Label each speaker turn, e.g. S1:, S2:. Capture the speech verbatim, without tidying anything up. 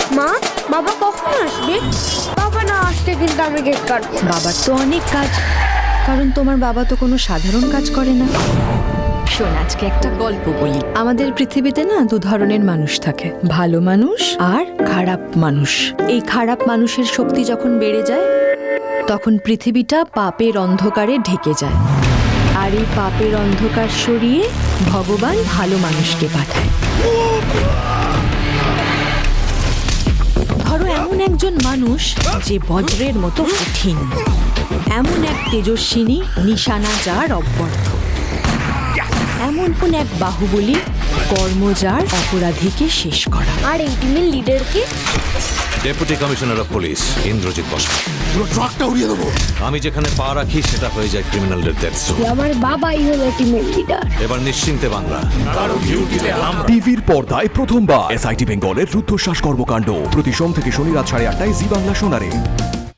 S1: মা, বাবা কখন আসবে? বাবা না আসতে কিন্তু আমি কেক কাটবো।
S2: বাবার তো অনেক কাজ, কারণ তোমার বাবা তো কোনো সাধারণ কাজ করে না। শোন, আজকে একটা গল্প বলি। আমাদের পৃথিবীতে না দু ধরনের মানুষ থাকে, ভালো মানুষ আর খারাপ মানুষ। এই খারাপ মানুষের শক্তি যখন বেড়ে যায় তখন পৃথিবীটা পাপের অন্ধকারে ঢেকে যায়, আর এই পাপের অন্ধকার সরিয়ে ভগবান ভালো মানুষকে পাঠায়। ধরো এমন একজন মানুষ যে বজ্রের মতো কঠিন, এমন এক তেজস্বিনী নিশানা যার অব্যর্থ, এমন কোন এক বাহুবলী কর্মজার অপরাধীকে শেষ করা।
S1: আর এই টিমের লিডার কে?
S3: Deputy commissioner of police Indrajit Basu.
S4: পুরো ট্রাকটা উড়িয়ে দেবো।
S3: আমি যেখানে পা রাখি সেটা হয়ে যায় ক্রিমিনালদের ডেথ জোন।
S1: আমার বাবাই হলো টিমের লিডার।
S3: এবার নিশ্চিন্তে বাংলা।
S5: টিভির পর্দায় প্রথমবার এসআইটি বেঙ্গলের রুদ্ধশ্বাস কর্মকাণ্ড প্রতি সোম থেকে শনি রাত সাড়ে আটটায় জি বাংলা সোনারে।